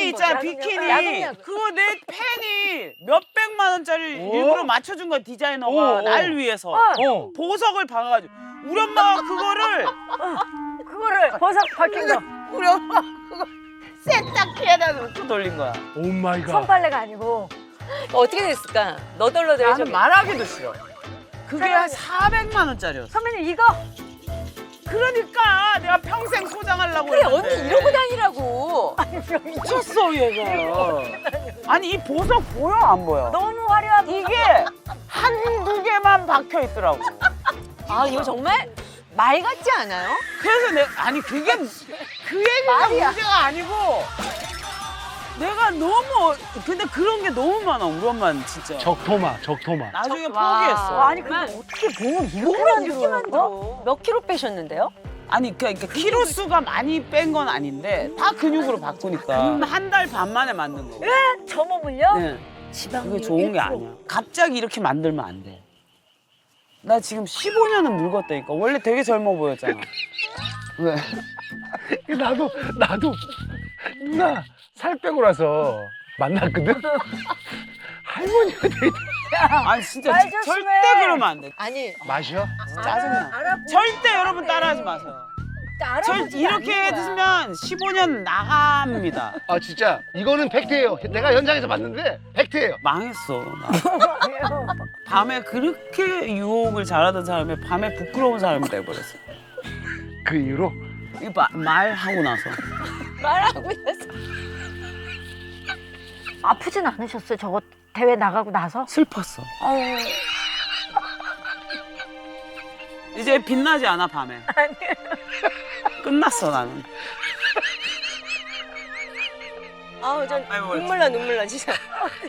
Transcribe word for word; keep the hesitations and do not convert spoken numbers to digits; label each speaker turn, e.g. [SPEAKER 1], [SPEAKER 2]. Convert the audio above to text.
[SPEAKER 1] 비키니 있잖아,
[SPEAKER 2] 야동용.
[SPEAKER 1] 비키니.
[SPEAKER 2] 야동용.
[SPEAKER 1] 그거 내 팬이 몇백만 원짜리
[SPEAKER 3] 어?
[SPEAKER 1] 일부러 맞춰준 거야, 디자이너가.
[SPEAKER 3] 어, 어.
[SPEAKER 1] 날 위해서.
[SPEAKER 3] 어.
[SPEAKER 1] 보석을 박아가지고. 우리 엄마가 그거를,
[SPEAKER 2] 그거를 버섯 박힌 거.
[SPEAKER 1] 우리 엄마 그거 세탁기에다 넣고 돌린 거야.
[SPEAKER 3] 오 마이 갓.
[SPEAKER 2] 손빨래가 아니고.
[SPEAKER 4] 어떻게 됐을까? 너덜너덜
[SPEAKER 1] 나는 말하기도 싫어. 그게 한 사백만 원짜리였어.
[SPEAKER 2] 선배님 이거
[SPEAKER 1] 그러니까 내가 평생 소장하려고
[SPEAKER 4] 그래
[SPEAKER 1] 했는데.
[SPEAKER 4] 언니 이러고 다니라고.
[SPEAKER 1] 미쳤어 얘가. 아니 이 보석 보여 안 보여?
[SPEAKER 2] 너무 화려한
[SPEAKER 1] 이게 한두 개만 박혀 있더라고.
[SPEAKER 4] 아 이거 정말 말 같지 않아요?
[SPEAKER 1] 그래서 내가 아니 그게 그 얘기가
[SPEAKER 2] 말이야.
[SPEAKER 1] 문제가 아니고 내가 너무 근데 그런 게 너무 많아 우리 엄마는 진짜.
[SPEAKER 3] 적토마, 적토마.
[SPEAKER 1] 나중에
[SPEAKER 4] 와.
[SPEAKER 1] 포기했어.
[SPEAKER 2] 아니 근데 어떻게 몸을 이렇게
[SPEAKER 4] 몸을 이렇게
[SPEAKER 2] 만들어요?
[SPEAKER 4] 만들어. 몇 킬로 빼셨는데요?
[SPEAKER 1] 아니 그러니까 키로 수가 많이 뺀 건 아닌데 다 근육으로 바꾸니까 한 달 반 만에 만든 거.
[SPEAKER 2] 저 몸을요?
[SPEAKER 1] 네.
[SPEAKER 2] 지방률
[SPEAKER 1] 그게 좋은 게
[SPEAKER 2] 일 퍼센트.
[SPEAKER 1] 아니야. 갑자기 이렇게 만들면 안 돼. 나 지금 십오 년은 늙었다니까. 원래 되게 젊어 보였잖아. 왜?
[SPEAKER 3] 나도 나도 누나 살 빼고 나서 만났거든. 할머니가 되게
[SPEAKER 1] 아니 진짜
[SPEAKER 2] 말
[SPEAKER 1] 지-
[SPEAKER 2] 조심해.
[SPEAKER 1] 절대 그러면 안 돼.
[SPEAKER 4] 아니
[SPEAKER 3] 마셔.
[SPEAKER 1] 짜증나.
[SPEAKER 2] 알아보고
[SPEAKER 1] 절대 여러분 따라하지 마세요. 절
[SPEAKER 2] 알아보지도
[SPEAKER 1] 이렇게
[SPEAKER 2] 않는 거야.
[SPEAKER 1] 해드시면 십오 년 나갑니다.
[SPEAKER 3] 아 진짜 이거는 팩트예요. 내가 현장에서 봤는데 팩트예요.
[SPEAKER 1] 망했어. 나. 밤에 그렇게 유혹을 잘하던 사람이 밤에 부끄러운 사람이 돼버렸어.
[SPEAKER 3] 그 이후로
[SPEAKER 1] 이거 마- 말하고 나서.
[SPEAKER 4] 말하고 있었어.
[SPEAKER 2] 아프진 않으셨어요? 저거 대회 나가고 나서?
[SPEAKER 1] 슬펐어. 이제 빛나지 않아 밤에. 끝났어 나는.
[SPEAKER 4] 아우 전
[SPEAKER 1] 아이고,
[SPEAKER 4] 눈물 나 눈물 나 진짜.